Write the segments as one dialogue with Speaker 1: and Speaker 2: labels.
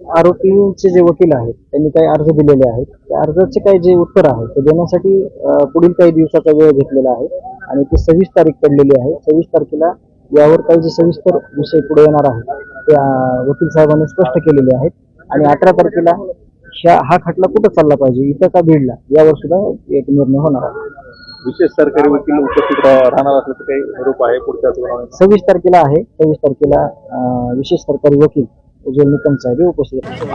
Speaker 1: आरोपींचे जे वकील आहेत त्यांनी काही अर्ज दिलेले आहेत, त्या अर्जाचे काही जे उत्तर आहे ते देण्यासाठी पुढील काही दिवसाचा वेळ घेतलेला आहे आणि ती 26 तारीख पडलेली आहे. 26 तारखेला यावर काही जे सविस्तर विषय पुढे येणार आहे ते वकील साहेबांनी स्पष्ट केलेले आहेत आणि 18 तारखेला हा खटला कुठं चालला पाहिजे, इथं का बीडला, यावर सुद्धा एक निर्णय होणार आहे.
Speaker 2: विशेष सरकारी वकील उपस्थित राहणार असल्याचं काही रूप आहे पुढच्या
Speaker 1: 26 तारखेला आहे. 26 तारखेला विशेष सरकारी वकील उज्ज्वल निकम साहेब उपस्थित.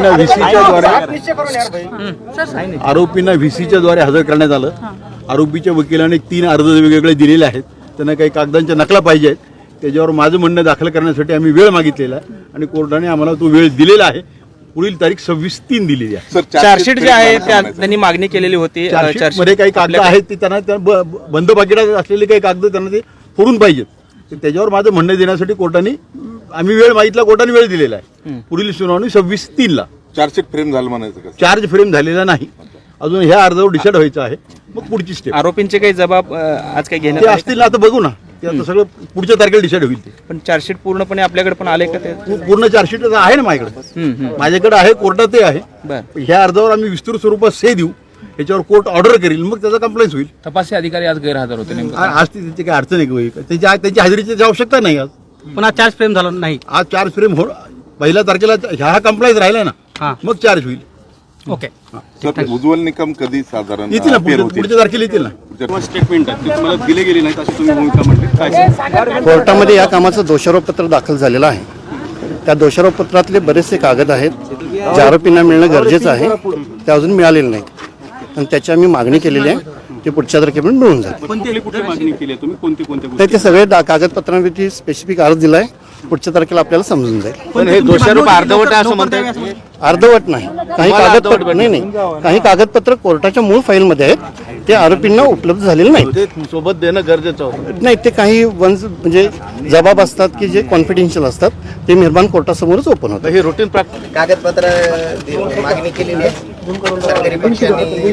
Speaker 3: आरोपींना व्हीसीच्या द्वारे हजर करण्यात आलं. आरोपीच्या वकिलाने 3 अर्ज वेगवेगळे दिलेले आहेत. त्यांना काही कागदांच्या नकला पाहिजे आहेत. त्याच्यावर माझं म्हणणं दाखल करण्यासाठी आम्ही वेळ मागितलेला आहे आणि कोर्टाने आम्हाला तो वेळ दिलेला आहे. पुढील तारीख 26/3 दिलेली आहे.
Speaker 4: चार्जशीट जे आहे त्यांनी मागणी केलेली होती.
Speaker 3: मध्ये काही कागद आहेत ते त्यांना बंद पाकिटात असलेले काही कागद त्यांना ते फोडून पाहिजेत. त्याच्यावर माझं म्हणणं देण्यासाठी कोर्टाने आम्ही वेळ मागितला, कोर्टाने वेळ दिलेला आहे. पुढील सुनावणी 26/3
Speaker 2: चार्जशीट फ्रेम झालं म्हणायचं का?
Speaker 3: चार्ज फ्रेम झालेला नाही अजून. ह्या अर्जावर डिसाईड व्हायचं आहे, मग पुढची स्टेप.
Speaker 4: आरोपींचे काही जबाब आज काही घेण्यात
Speaker 3: असतील ना, आता बघू ना, ते आता सगळं पुढच्या तारखेला डिसाईड होईल. ते
Speaker 4: पण चार्जशीट पूर्णपणे आपल्याकडे पण आले का? ते
Speaker 3: पूर्ण चार्जशीट आहे ना माझ्याकडे, माझ्याकडे आहे, कोर्टातही आहे. ह्या अर्जावर आम्ही विस्तृत स्वरूपात से देऊ, याच्यावर कोर्ट ऑर्डर करेल, मग त्याचा कंप्लेंट होईल.
Speaker 4: तपासी अधिकारी आज गैरहजर होते.
Speaker 3: आज त्याची काही अडचण आहे का? त्याची हजेरीची आवश्यकता नाही आज.
Speaker 4: पण आज चार्ज फ्रेम झाला नाही.
Speaker 3: आज चार्ज फ्रेम हो, 1 तारखेला ह्या कंप्लेंट राहिला ना, मग चार्ज होईल.
Speaker 4: ओके.
Speaker 2: उज्ज्वल निकम कधी साधारण
Speaker 3: येतील ना, पुढच्या तारखेला येतील ना.
Speaker 2: स्टेटमेंट तुम्हाला दिले गेले नाही अशी तुम्ही भूमिका म्हणली.
Speaker 5: कोर्टामध्ये या कामाचं दोषारोपपत्र दाखल झालेलं आहे. त्या दोषारोपपत्रातले बरेचसे कागद आहेत जे आरोपींना मिळणं गरजेचं आहे, ते अजून मिळालेलं नाही आणि त्याची आम्ही मागणी केलेली आहे. ते पुढच्या तारखेपर्यंत मिळून जाईल.
Speaker 2: कुठे मागणी केली आहे तुम्ही? कोणते
Speaker 5: ते सगळे कागदपत्रांवरती स्पेसिफिक अर्ज दिला आहे. पुढच्या तारखेला आपल्याला समजून जाईल.
Speaker 4: पण हे दोषारोप अर्धवट आहे असं म्हणताय?
Speaker 5: अर्धवट नाही, काही कागदपत्र नाही, काही कागदपत्र कोर्टाच्या मूळ फाईलमध्ये आहेत, ते आरोपींना उपलब्ध झालेले नाही.
Speaker 3: सोबत देणं गरजेचं होतं.
Speaker 5: नाही, ते काही म्हणजे जबाब असतात की जे कॉन्फिडेन्शियल असतात, ते निर्माण कोर्टासमोरच ओपन होतं.
Speaker 3: हे रुटीन
Speaker 6: कागदपत्र मागणी केलेली आहे. सरकारी पक्षाने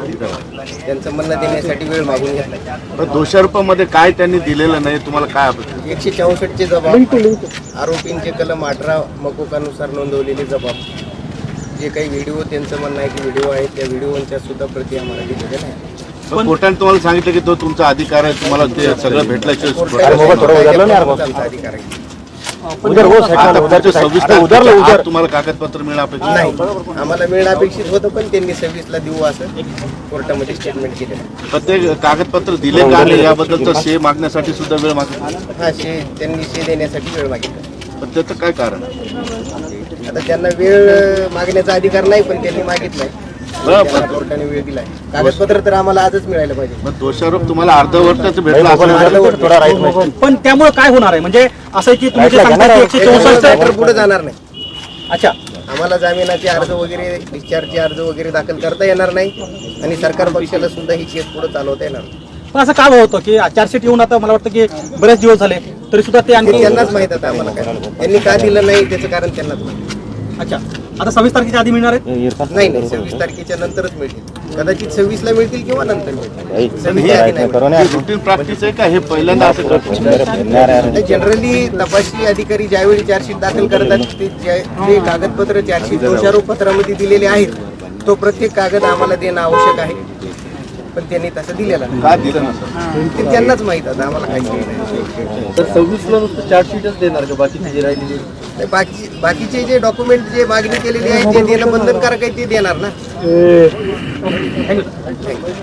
Speaker 6: त्यांचं म्हणणं देण्यासाठी वेळ मागून घेतला.
Speaker 3: दोषारोपामध्ये काय त्यांनी दिलेलं नाही, तुम्हाला काय
Speaker 6: 164 चे जबाब, आरोपींचे कलम 18 मकोकानुसार नोंदवलेले जबाब, जे काही व्हिडिओ त्यांचं म्हणणं आहे की व्हिडिओ आहे, त्या व्हिडिओच्या सुद्धा प्रती आम्हाला दिलेल्या नाही.
Speaker 3: कोर्टाने तुम्हाला सांगितलं की तो तुमचा अधिकार आहे, तुम्हाला ते सगळं भेटल्याचे
Speaker 6: अधिकार आहे.
Speaker 3: तुम्हाला कागदपत्र मिळणं अपेक्षित
Speaker 6: नाही, आम्हाला मिळणं अपेक्षित होतं, पण त्यांनी 26ला देऊ असं कोर्टामध्ये स्टेटमेंट केलं.
Speaker 3: प्रत्येक कागदपत्र दिले का नाही याबद्दलचा शे मागण्यासाठी सुद्धा वेळ मागितला.
Speaker 6: हा, त्यांनी शे देण्यासाठी वेळ मागितला.
Speaker 3: पण त्याचं काय कारण?
Speaker 6: आता त्यांना वेळ मागण्याचा अधिकार नाही, पण त्यांनी मागितलाय, कोर्टाने वेळ दिलाय. कागदपत्र तर आम्हाला आजच मिळायला पाहिजे.
Speaker 3: मग दोषारोप तुम्हाला अर्धवटच भेटला,
Speaker 4: पण त्यामुळे काय होणार आहे? म्हणजे असं की तुम्ही जे सांगता 164
Speaker 6: पुढे जाणार नाही.
Speaker 4: अच्छा,
Speaker 6: आम्हाला जामिनाचे अर्ज वगैरे, डिस्चार्जचे अर्ज वगैरे दाखल करता येणार नाही आणि सरकार पक्षाला सुद्धा ही केस पुढे चालवता येणार नाही.
Speaker 4: पण असं काय होतं की चार्जशीट येऊन आता मला वाटतं की बरेच दिवस झाले तरी सुद्धा ते आणखी
Speaker 6: त्यांनाच माहित आता आम्हाला काय त्यांनी का दिलं नाही त्याचं कारण त्यांनाच माहिती.
Speaker 4: अच्छा, आता 26 तारखेच्या आधी मिळणार आहे?
Speaker 6: नाही, 26 तारखेच्या नंतरच मिळतील. कदाचित 26ला मिळतील किंवा नंतर मिळतील. 26च्या आधी नाही.
Speaker 3: रुटीन प्रॅक्टिस आहे का हे पहिल्यांदा असं करतो?
Speaker 6: जनरली तपासणी अधिकारी ज्यावेळी चार्जशीट दाखल करतात, ते जे कागदपत्र चार्जशीट दोषारोप पत्रामध्ये दिलेले आहेत, तो प्रत्येक कागद आम्हाला देणं आवश्यक आहे, पण त्यांनी तसं दिलेला नाही.
Speaker 3: का दिलं नसतं
Speaker 6: ते त्यांनाच माहित आता, आम्हाला काही नाही.
Speaker 1: तर 26ला नुसतं चार्जशीटच देणार का? बाकीचे जे राहिलेले
Speaker 6: बाकीचे जे डॉक्युमेंट जे मागणी केलेली आहे ते देणं बंधनकारक आहे, ते देणार ना.